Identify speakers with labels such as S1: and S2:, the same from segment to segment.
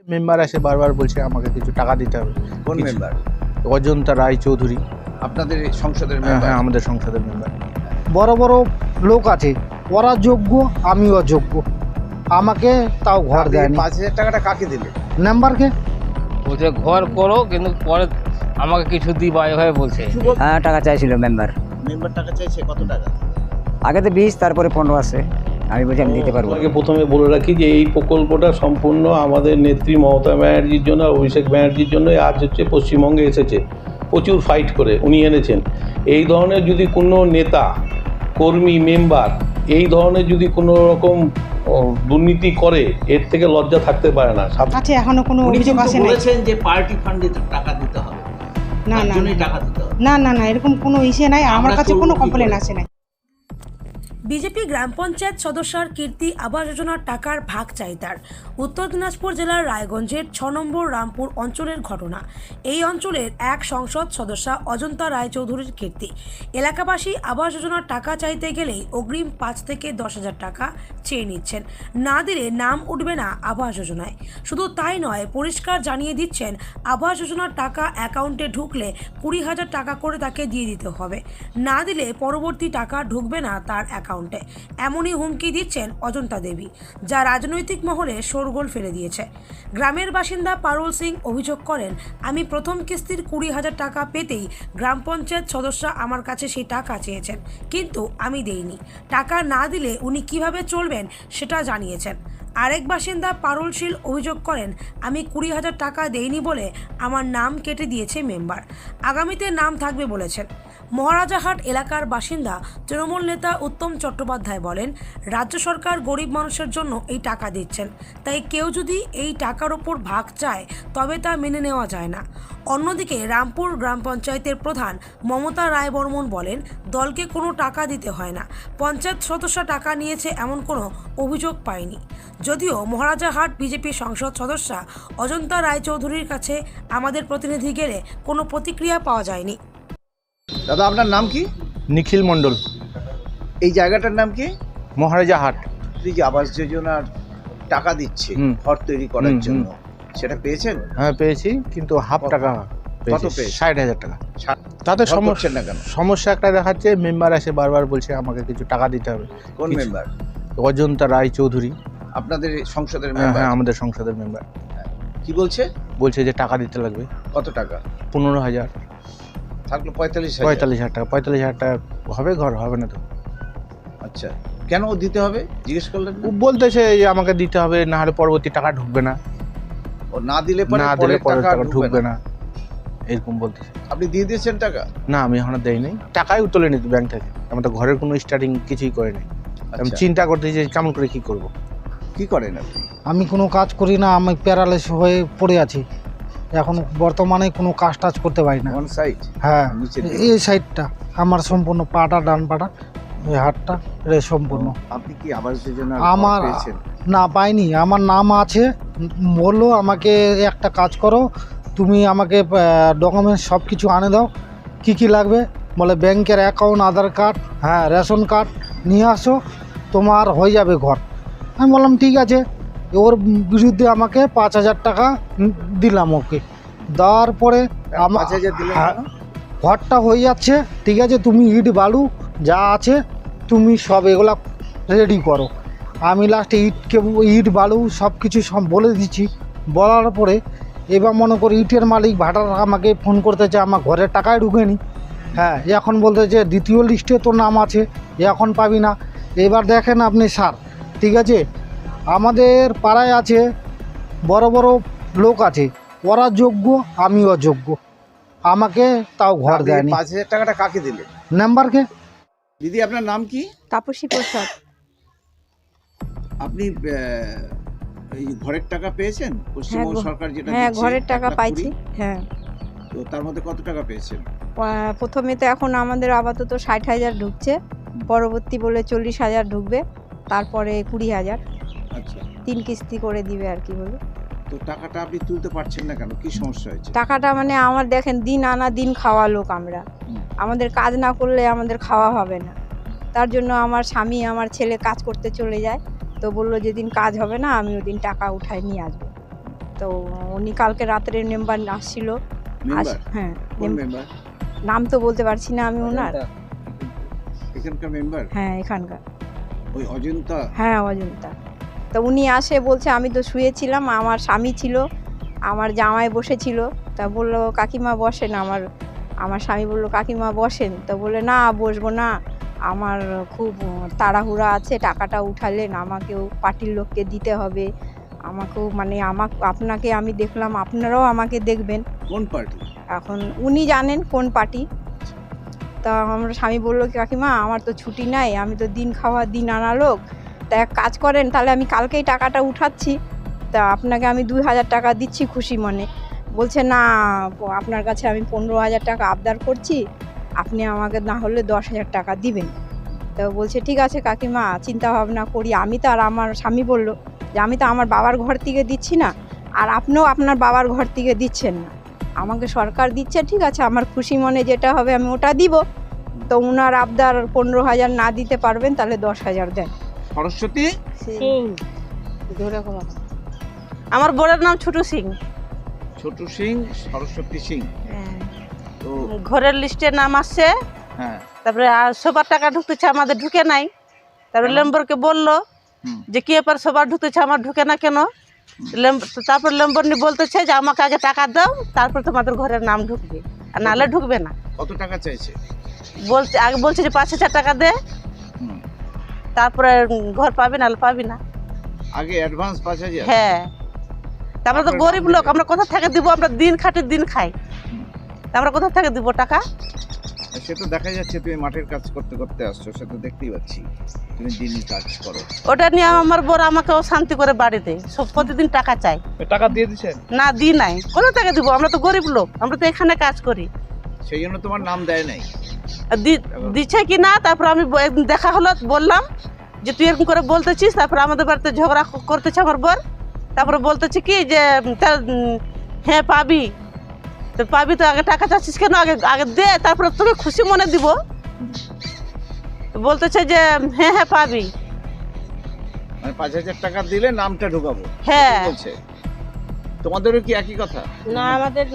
S1: Member এসে বারবার বলছে আমাকে কিছু টাকা দিতে হবে।
S2: কোন
S1: কিছু-
S2: মেম্বার?
S1: অজন্তা রায় চৌধুরী।
S2: আপনাদের সংসদের
S1: হ্যাঁ
S2: মেম্বার?
S1: হ্যাঁ, আমাদের সংসদের মেম্বার।
S3: বড় বড় লোক আছে, ওরা যোগ্য, আমি অযোগ্য, আমাকে তাও ঘর
S2: আপনি
S3: দেয়নি।
S2: ৫,০০০ টাকাটা কাকে দিলেন?
S3: মেম্বারকে
S4: বলছে ঘর করো, কিন্তু পরে আমাকে কিছু দিবা এভাবে বলছে।
S5: হ্যাঁ, টাকা চাইছিল মেম্বার।
S2: মেম্বার টাকা চাইছে কত টাকা?
S5: আগে তো 20, তারপরে 15 আছে। আমি বলছি আমি দিতে পারবো।
S6: আপনাকে প্রথমে বলে রাখি যে এই প্রকল্পটা সম্পূর্ণ আমাদের নেত্রী মমতা ব্যানার্জির জন্য আর অভিষেক ব্যানার্জির জন্য আজ হচ্ছে পশ্চিমবঙ্গে এসেছে। প্রচুর ফাইট করে উনি এনেছেন। এই ধরনের যদি কোনো নেতা, কর্মী, মেম্বার এই ধরনের যদি কোনো রকম দুর্নীতি করে, এর থেকে লজ্জা থাকতে পারে না।
S7: আছে এখনো কোনো
S2: উনি
S7: অভিযোগ
S2: কিন্তু
S7: আসে নাই।
S2: বলেছেন যে পার্টি ফান্ডে টাকা দিতে হবে,
S7: না
S2: তার
S7: না
S2: জন্যই টাকা দিতে হবে।
S7: না এরকম কোনো ইসে নাই, আমার
S2: আমরা
S7: কাছে
S2: করবো
S7: কোনো
S2: কি
S7: কমপ্লেন
S2: করে?
S7: আসে নাই।
S8: বিজেপি গ্রাম পঞ্চায়েত সদস্যার কীর্তি আবাস যোজনার টাকার ভাগ চাই তার। উত্তর দিনাজপুর জেলার রায়গঞ্জের 6 নম্বর রামপুর অঞ্চলের ঘটনা। এই অঞ্চলের এক সংসদ সদস্যা অজন্তা রায়চৌধুরীর কীর্তি। এলাকাবাসী আবাস যোজনার টাকা চাইতে গেলেই অগ্রিম 5 থেকে 10,000 টাকা চেয়ে নিচ্ছেন। না দিলে নাম উঠবে না আবাস যোজনায়। শুধু তাই নয়, পরিষ্কার জানিয়ে দিচ্ছেন আবাস যোজনার টাকা অ্যাকাউন্টে ঢুকলে 20,000 টাকা করে তাকে দিয়ে দিতে হবে। না দিলে পরবর্তী টাকা ঢুকবে না তার অ্যাকাউন্টে। এমনই হুমকি দিচ্ছেন অজন্তা দেবী, যা রাজনৈতিক মহলে শোরগোল ফেলে দিয়েছে। গ্রামের বাসিন্দা পারুল সিং অভিযোগ করেন, আমি প্রথম কিস্তির 20,000 টাকা পেতেই গ্রাম পঞ্চায়েত সদস্য আমার কাছে সেই টাকা চেয়েছেন, কিন্তু আমি দেইনি। টাকা না দিলে উনি কিভাবে চলবেন সেটা জানিয়েছেন। আরেক বাসিন্দা পারুল শীল অভিযোগ করেন, আমি 20,000 টাকা দেইনি বলে আমার নাম কেটে দিয়েছে মেম্বার। আগামীতে নাম থাকবে বলেছেন। মহারাজাহাট এলাকার বাসিন্দা তৃণমূল নেতা উত্তম চট্টোপাধ্যায় বলেন, রাজ্য সরকার গরিব মানুষের জন্য এই টাকা দিচ্ছেন, তাই কেউ যদি এই টাকার ওপর ভাগ চায় তবে তা মেনে নেওয়া যায় না। অন্যদিকে রামপুর গ্রাম পঞ্চায়েতের প্রধান মমতা রায় বর্মন বলেন, দলকে কোনো টাকা দিতে হয় না, পঞ্চায়েত সদস্য টাকা নিয়েছে এমন কোনো অভিযোগ পায়নি। যদিও মহারাজাহাট বিজেপি সংসদ সদস্যা অজন্তা রায়চৌধুরীর কাছে আমাদের প্রতিনিধি গেলে কোনো প্রতিক্রিয়া পাওয়া যায়নি।
S2: দাদা আপনার নাম কি?
S1: নিখিল মণ্ডল।
S2: এই জায়গাটার নাম কি?
S1: মহারাজা হাট।
S2: এই যে আবাস যোজনার টাকা দিচ্ছে ঘর তৈরি করার জন্য, সেটা পেয়েছেন?
S1: হ্যাঁ পেয়েছি, কিন্তু হাফ টাকা পেয়েছি।
S2: পেয়েছেন?
S1: 60,000 টাকা। তাতে
S2: ঘর করছেন না কেন?
S1: সমস্যা একটা দেখাচ্ছে, মেম্বার এসে বারবার বলছে আমাকে কিছু টাকা দিতে হবে।
S2: কোন
S1: কিছু-
S2: মেম্বার?
S1: অজন্তা রায় চৌধুরী।
S2: আপনাদের সংসদের
S1: হ্যাঁ
S2: মেম্বার?
S1: হ্যাঁ, আমাদের সংসদের মেম্বার।
S2: কি বলছে?
S1: বলছে যে টাকা দিতে লাগবে
S2: কত টাকা?
S1: 15,000।
S2: থাকলো 45,000।
S1: 45,000 টাকা। 45,000 টাকা হবে ঘর? হবে না তো।
S2: আচ্ছা, কেন দিতে হবে জিজ্ঞেস করলেন না?
S1: ও বলতেছে যে আমাকে দিতে হবে, না হলে পরবর্তী টাকা ঢুকবে না,
S2: ও না দিলে পরে
S1: না দিলে পরের টাকা
S2: ঢুকবে
S1: ঢুকবে
S2: না।
S1: না, এরকম বলতেছে।
S2: আপনি দিয়ে দিয়েছেন টাকা?
S1: না, আমি এখনো দেই নাই, টাকাই তুলে নিত ব্যাংক থেকে। আমার তো ঘরের কোনো স্টার্টিং কিছুই করে নাই। আমি
S2: আচ্ছা,
S1: চিন্তা করতেছি যে কেমন করে কি করব।
S2: কি করেন আপনি?
S3: আমি কোনো কাজ করি না, আমি প্যারালাইস হয়ে পড়ে আছি এখন, বর্তমানে কোনো কাজ টাজ করতে পারি না।
S2: One side?
S3: হ্যাঁ,
S2: নিচে
S3: এই সাইডটা আমার সম্পূর্ণ, পাটা ডান পাটা, এই হাতটা এটা সম্পূর্ণ।
S2: আপনি কি আবাস যোজনা
S3: আমার
S2: পেয়েছেন?
S3: না পাইনি, আমার নাম আছে, বললো আমাকে একটা কাজ করো, তুমি আমাকে ডকুমেন্টস সব কিছু আনে দাও, কি কি লাগবে, বলে ব্যাংকের অ্যাকাউন্ট, আধার কার্ড, হ্যাঁ রেশন কার্ড নিয়ে আসো, তোমার হয়ে যাবে ঘর। আমি বললাম ঠিক আছে। ওর বিরুদ্ধে আমাকে 5,000 টাকা দিলাম ওকে। দেওয়ার পরে
S2: 5,000 দিলেন
S3: হ্যাঁ,
S2: কেন?
S3: ঘরটা হয়ে যাচ্ছে, ঠিক আছে, তুমি ইট বালু যা আছে তুমি সব এগুলা রেডি করো। আমি লাস্টে ইট বালু সব কিছু সব বলে দিচ্ছি। বলার পরে এবার মনে করি ইটের মালিক ভাড়ার আমাকে ফোন করতেছে, আমার ঘরের টাকায় ঢুকেনি। হ্যাঁ, এখন বলতেছে দ্বিতীয় লিস্টে তোর নাম আছে, এখন পাবি না। এবার দেখেন আপনি স্যার, ঠিক আছে, আমাদের পাড়ায় আছে বড় বড় লোক আছে, ওরা যোগ্য, আমি অযোগ্য, আমাকে তাও ঘর
S2: আপনি
S3: দেয়নি।
S2: 5,000 টাকাটা কাকে দিলেন?
S3: মেম্বারকে।
S2: দিদি আপনার নাম কি?
S9: তাপসী প্রসাদ।
S2: আপনি এই ঘরের টাকা পেয়েছেন? পশ্চিমবঙ্গ সরকার যেটা
S9: হ্যাঁ,
S2: দিচ্ছে,
S9: ঘরের টাকা
S2: 1,20,000
S9: পাইছি। হ্যাঁ,
S2: তো তার মধ্যে কত টাকা পেয়েছেন?
S9: প্রথমে তো এখন আমাদের আপাতত 60,000 ঢুকছে, পরবর্তী বলে 40,000 ঢুকবে, তারপরে 20,000,
S2: আচ্ছা,
S9: 3 কিস্তি করে দিবে আর কি বলে।
S2: তো টাকাটা আপনি তুলতে পারছেন না কেন? কি সমস্যা হয়েছে?
S9: টাকাটা মানে আমার দেখেন দিন আনা দিন খাওয়া লোক আমরা, আমাদের কাজ না করলে আমাদের খাওয়া হবে না। তার জন্য আমার স্বামী আমার ছেলে কাজ করতে চলে যায়, তো বললো যেদিন কাজ হবে না আমি ওদিন টাকা উঠায় নিয়ে আসবো। তো উনি কালকে রাত্রে মেম্বার আসছিল।
S2: মেম্বার
S9: হ্যাঁ,
S2: কোন মেম্বার?
S9: নাম তো বলতে পারছি না আমি ওনার।
S2: এখানকার মেম্বার?
S9: হ্যাঁ, এখানকার।
S2: ওই অজন্তা?
S9: হ্যাঁ, অজন্তা। তো উনি আসে বলছে আমি তো শুয়েছিলাম, আমার স্বামী ছিল, আমার জামাই বসেছিল। তা বললো কাকিমা বসেন। আমার স্বামী বললো কাকিমা বসেন। তো বলে না বসবো না, আমার খুব তাড়াহুড়া আছে, টাকাটা উঠালেন আমাকেও পার্টির লোককে দিতে হবে, আমাকেও মানে আপনাকে আমি দেখলাম, আপনারাও আমাকে দেখবেন।
S2: কোন পার্টি?
S9: এখন উনি জানেন কোন পার্টি। তা আমার স্বামী বললো কি কাকিমা আমার তো ছুটি নাই, আমি তো দিন খাওয়া দিন আনা লোক, তা এক কাজ করেন তাহলে আমি কালকেই টাকাটা উঠাচ্ছি, তা আপনাকে আমি 2000 টাকা দিচ্ছি খুশি মনে। বলছে না আপনার কাছে আমি 15,000 টাকা আবদার করছি, আপনি আমাকে না হলে 10,000 টাকা দিবেন। তো বলছে ঠিক আছে কাকিমা চিন্তা ভাবনা করি। আমি তো আর আমার স্বামী বলল যে আমি তো আমার বাবার ঘর থেকে দিচ্ছি না, আর আপনিও আপনার বাবার ঘর থেকে দিচ্ছেন না, আমাকে সরকার দিচ্ছে, ঠিক আছে আমার খুশি মনে যেটা হবে আমি ওটা দিব। তো ওনার আবদার 15,000 না দিতে পারবেন তাহলে 10,000 দেন।
S2: সরস্বতী
S9: ধরে কথা।
S10: আমার বোনের নাম ছোটু সিং।
S2: ছোটু সিং, সরস্বতী সিং। তো
S10: ঘরের লিস্টে নাম আসছে,
S2: হ্যাঁ,
S10: তারপরে আর সবার টাকা ঢুকতেছে, আমাদের ঢুকে নাই। তারপরে লেম্বরকে বললো যে কি ব্যাপার সবার ঢুকতেছে আমার ঢুকে না কেন। তারপর লেম্বরনি বলতেছে যে আমাকে আগে টাকা দাও, তারপর তোমাদের ঘরের নাম ঢুকবে, আর নাহলে ঢুকবে না।
S2: কত টাকা চাইছে?
S10: আগে বলছে যে 5,000 টাকা দে, তারপরে ঘর পাবি নাহলে পাবি না।
S2: আগে অ্যাডভান্স 5,000?
S10: হ্যাঁ, আমরা তো গরিব লোক, আমরা কোথা থেকে দিব? আমরা দিন খাটি দিন খাই, আমরা কোথা থেকে দিব টাকা?
S2: সে তো দেখা যাচ্ছে তুমি মাঠের কাজ করতে করতে আসছো, সে তো দেখতেই পাচ্ছি তুমি দিনই কাজ করো।
S10: ওটা নিয়ে আমার বড় আমাকে অশান্তি করে বাড়িতে সব প্রতিদিন টাকা চাই।
S1: টাকা দিয়ে দিচ্ছেন?
S10: না দিই নাই, কোনো টাকা দিব? আমরা তো গরিব লোক, আমরা তো এখানে কাজ করি।
S2: সেই জন্য তোমার নাম দেয় নাই?
S10: দিচ্ছে কি না, তারপর আমি একদিন দেখা হলো, বললাম যে তুই এরকম করে বলতেছিস, তারপর আমাদের বাড়িতে ঝগড়া করতেছে আমার বর। তারপরে বলতেছে কি যে হ্যাঁ পাবি, তো পাবি তো আগে টাকা চাচ্ছিস কেন, আগে আগে দে, তারপরে তোকে খুশি মনে দিব। বলতেছে যে হ্যাঁ হ্যাঁ পাবি,
S2: মানে 5,000 টাকা দিলে নামটা ঢুকাবো।
S10: হ্যাঁ
S2: বলছে। তোমাদেরও কি একই কথা?
S10: না, আমাদের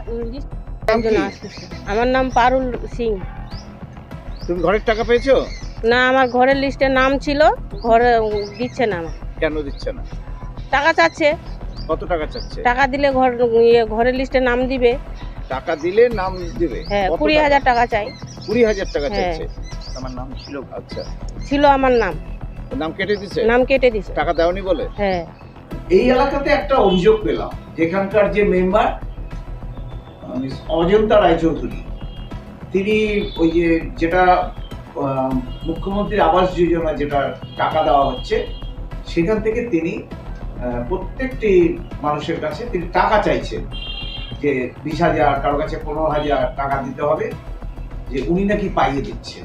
S10: আমার নাম পারুল সিং।
S2: তুমি ঘরের টাকা পেয়েছো?
S10: না, আমার ঘরের লিস্টে নাম ছিল, ঘরে দিচ্ছে না। আমার
S2: কেন দিচ্ছে না?
S10: টাকা চাচ্ছে।
S2: কত টাকা চাচ্ছে?
S10: টাকা দিলে ঘরের লিস্টে নাম দিবে।
S2: টাকা দিলে নাম দিবে?
S10: হ্যাঁ, 20,000 টাকা চাই।
S2: 20,000 টাকা চাইছে? আমার নাম ছিল? আচ্ছা,
S10: ছিল আমার নাম।
S2: নাম কেটে দিছে?
S10: নাম কেটে দিছে।
S2: টাকা দেওনি বলে?
S10: হ্যাঁ।
S2: এই এলাকাতে একটা অভিযোগ পেলাম, যেখানকার যে মেম্বার অজন্তা রায়চৌধুরী, তিনি ওই যেটা মুখ্যমন্ত্রী আবাস যোজনা যেটা টাকা দেওয়া হচ্ছে, সেখান থেকে তিনি প্রত্যেকটি মানুষের কাছে তিনি টাকা চাইছেন, যে 20,000, কারো কাছে 15,000 টাকা দিতে হবে, যে উনি নাকি পাইয়ে দিচ্ছেন।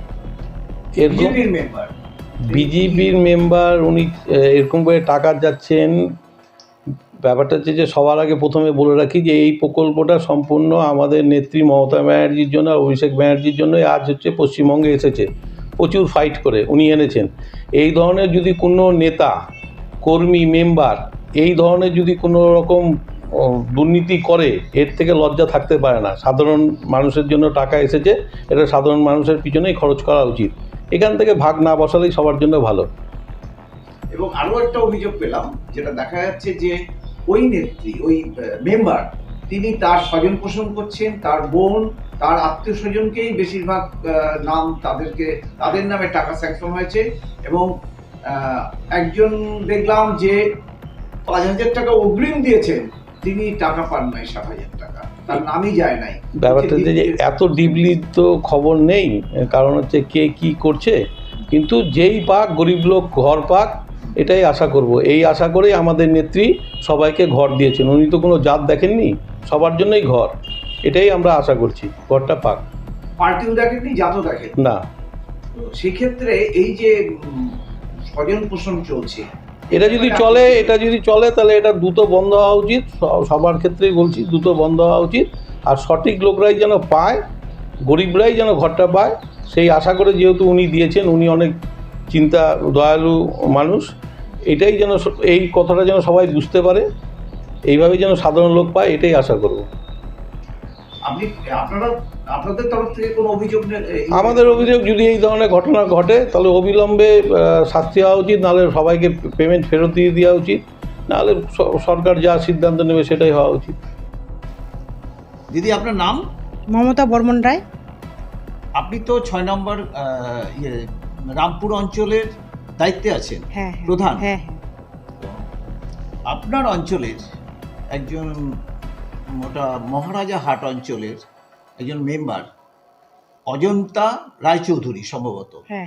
S6: বিজেপির মেম্বার উনি এরকম করে টাকা যাচ্ছেন। ব্যাপারটা হচ্ছে যে সবার আগে প্রথমে বলে রাখি যে এই প্রকল্পটা সম্পূর্ণ আমাদের নেত্রী মমতা ব্যানার্জির জন্য আর অভিষেক ব্যানার্জির জন্য আজ হচ্ছে পশ্চিমবঙ্গে এসেছে। প্রচুর ফাইট করে উনি এনেছেন। এই ধরনের যদি কোনো নেতা, কর্মী, মেম্বার এই ধরনের যদি কোনো রকম দুর্নীতি করে, এর থেকে লজ্জা থাকতে পারে না। সাধারণ মানুষের জন্য টাকা এসেছে, এটা সাধারণ মানুষের পিছনেই খরচ করা উচিত। এখান থেকে ভাগ না বসালেই সবার জন্য ভালো।
S2: এবং আরো একটা অভিযোগ পেলাম, যেটা দেখা যাচ্ছে যে ওই নেত্রী, ওই মেম্বার, তিনি তার স্বজন পোষণ করছেন, তার বোন, তার আত্মীয় স্বজনকেই বেশিরভাগ নাম তাদের নামে টাকা স্যাংশন হয়েছে। এবং একজন দেখলাম যে 5,000 টাকা অগ্রিম দিয়েছেন, তিনি টাকা পান নাই 7,000 টাকা, তার নামই যায় নাই।
S6: ব্যাপারটা যে এত ডিপলি তো খবর নেই, কারণ হচ্ছে কে কি করছে, কিন্তু যেই পাক গরিব লোক ঘর পাক, এটাই আশা করব। এই আশা করেই আমাদের নেত্রী সবাইকে ঘর দিয়েছেন। উনি তো কোনো জাত দেখেননি, সবার জন্যই ঘর, এটাই আমরা আশা করছি, ঘরটা পাক।
S2: পার্টিও দেখেননি, জাতও দেখেন
S6: না।
S2: সেক্ষেত্রে এই যে স্বজন পোষণ চলছে,
S6: এটা যদি চলে তাহলে এটা দ্রুত বন্ধ হওয়া উচিত। সবার ক্ষেত্রেই বলছি, দ্রুত বন্ধ হওয়া উচিত। আর সঠিক লোকরাই যেন পায়, গরিবরাই যেন ঘরটা পায়, সেই আশা করে, যেহেতু উনি দিয়েছেন, উনি অনেক দয়ালু মানুষ, এটাই যেন, এই কথাটা যেন সবাই বুঝতে পারে এইভাবে যেন সাধারণ লোক পায় এটাই আশা করব।
S2: আপনাদের তরফ থেকে কোনো অভিযোগ
S6: আমাদের অভিযোগ, যদি এই ধরনের ঘটনা ঘটে তাহলে অবিলম্বে শাস্তি হওয়া উচিত, নাহলে সবাইকে পেমেন্ট ফেরত দিয়ে দেওয়া উচিত, নাহলে সরকার যা সিদ্ধান্ত নেবে সেটাই হওয়া উচিত।
S2: দিদি আপনার নাম?
S7: মমতা বর্মন রায়।
S2: আপনি তো 6 নম্বর রামপুর অঞ্চলের দায়িত্বে আছেন,
S7: হ্যাঁ
S2: প্রধান।
S7: হ্যাঁ।
S2: আপনার অঞ্চলের একজন মহারাজা হাট অঞ্চলের একজন মেম্বার অজন্তা রায়চৌধুরী সম্ভবত,
S7: হ্যাঁ।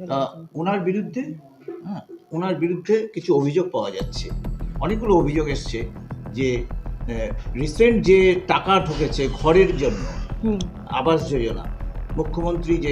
S2: ওনার বিরুদ্ধে কিছু অভিযোগ পাওয়া যাচ্ছে। অনেকগুলো অভিযোগ এসছে যে রিসেন্ট যে টাকা ঢুকেছে ঘরের জন্য, আবাস যোজনা, মুখ্যমন্ত্রী যে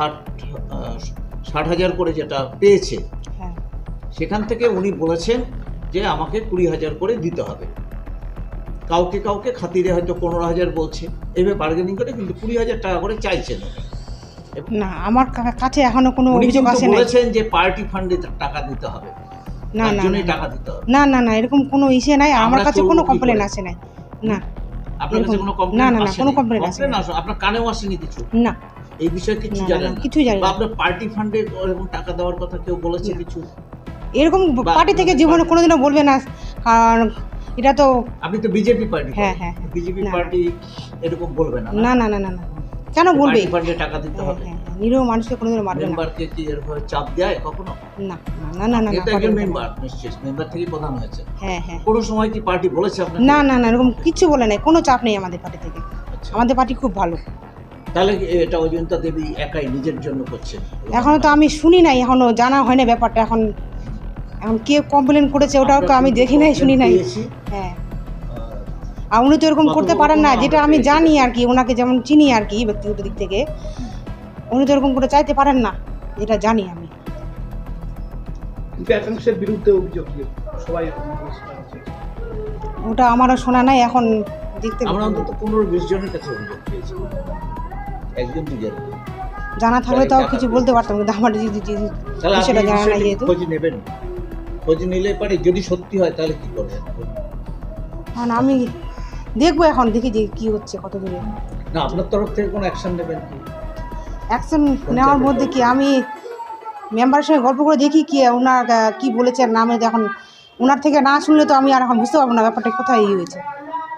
S2: 60,000 করে যেটা পেয়েছে, সেখান থেকে উনি বলেছেন যে আমাকে 20,000 করে দিতে হবে। কাউকে খাতিরে হয়তো 15,000 বলছে, এভাবে বার্গেনিং করে কিন্তু 20,000 টাকা করে চাইছেন।
S7: না, আমার কাছে এখনো কোনো অভিযোগ আসে না।
S2: বলেছেন যে পার্টি ফান্ডে টাকা দিতে হবে,
S7: না,
S2: টাকা দিতে হবে।
S7: না, এরকম কোনো ইস্যু নাই, আমার কাছে কোনো কমপ্লেন আসে নাই। না,
S2: আপনার কাছে কোনো কমপ্লেন?
S7: না, কোনো কমপ্লেন আসে না।
S2: আপনার কানেও আসেনি কিছু?
S7: না,
S2: এই বিষয়ে কিছু জানেন না?
S7: কিছু জানি না।
S2: আপনার পার্টি ফান্ডে এরকম টাকা দেওয়ার কথা কেউ বলেছে কিছু?
S7: এরকম পার্টি থেকে জীবনে কোনোদিনও বলবে না, কারণ এটা তো
S2: আপনি তো বিজেপি পার্টি।
S7: হ্যাঁ।
S2: বিজেপি পার্টি এরকম বলবে না।
S7: না, কেন বলবে?
S2: পার্টি ফান্ডে টাকা দিতে হবে।
S7: নিরীহ মানুষকে কোনোদিনও মারবে না।
S2: মেম্বারকে কি এরকম চাপ দেয় কখনো?
S7: না।
S2: এটা একজন মেম্বার, নিশ্চয়ই মেম্বার থেকে প্রধান হয়েছে।
S7: হ্যাঁ।
S2: কোনো সময় কি পার্টি বলেছে আপনাকে?
S7: না, এরকম কিছু বলে নাই, কোনো চাপ নেই আমাদের পার্টি থেকে। আমাদের পার্টি খুব ভালো।
S2: তাহলে এটা অজন্তা দেবী একাই নিজের জন্য করছেন?
S7: এখনো তো আমি শুনি নাই, এখনো জানা হয় না ব্যাপারটা। এখন কে কমপ্লেন করেছে ওটাও তো আমি দেখি নাই, শুনি নাই। হ্যাঁ, আর উনি তো এরকম করতে পারেন না, যেটা আমি জানি আর কি, ওনাকে যেমন চিনি আর কি ব্যক্তিগত দিক থেকে, উনি তো এরকম করে চাইতে পারেন না, যেটা জানি আমি।
S1: একাংশের বিরুদ্ধে অভিযোগ সবাই,
S7: ওটা আমারও শোনা নাই, এখন দেখতে
S2: আমরা অন্তত 15-20 জনের কাছে অভিযোগ পেয়েছি, একজন দুজন।
S7: জানা থাকলে তাও কিছু বলতে পারতাম, কিন্তু আমার সেটা জানা নাই। যেহেতু
S2: খোঁজ নেবেন, খোঁজ নিলে পারে, যদি সত্যি হয় তাহলে কি করবেন?
S7: কারণ আমি দেখবো, এখন দেখি যে কি হচ্ছে, কত দূরে।
S2: না, আপনার তরফ থেকে কোনো অ্যাকশন নেবেন কি?
S7: অ্যাকশন নেওয়ার মধ্যে কি, আমি মেম্বারের সঙ্গে গল্প করে দেখি কি ওনার কি বলেছে নামে, এখন ওনার থেকে না শুনলে তো আমি আর এখন বুঝতে পারবো না ব্যাপারটা কোথায় হয়েছে।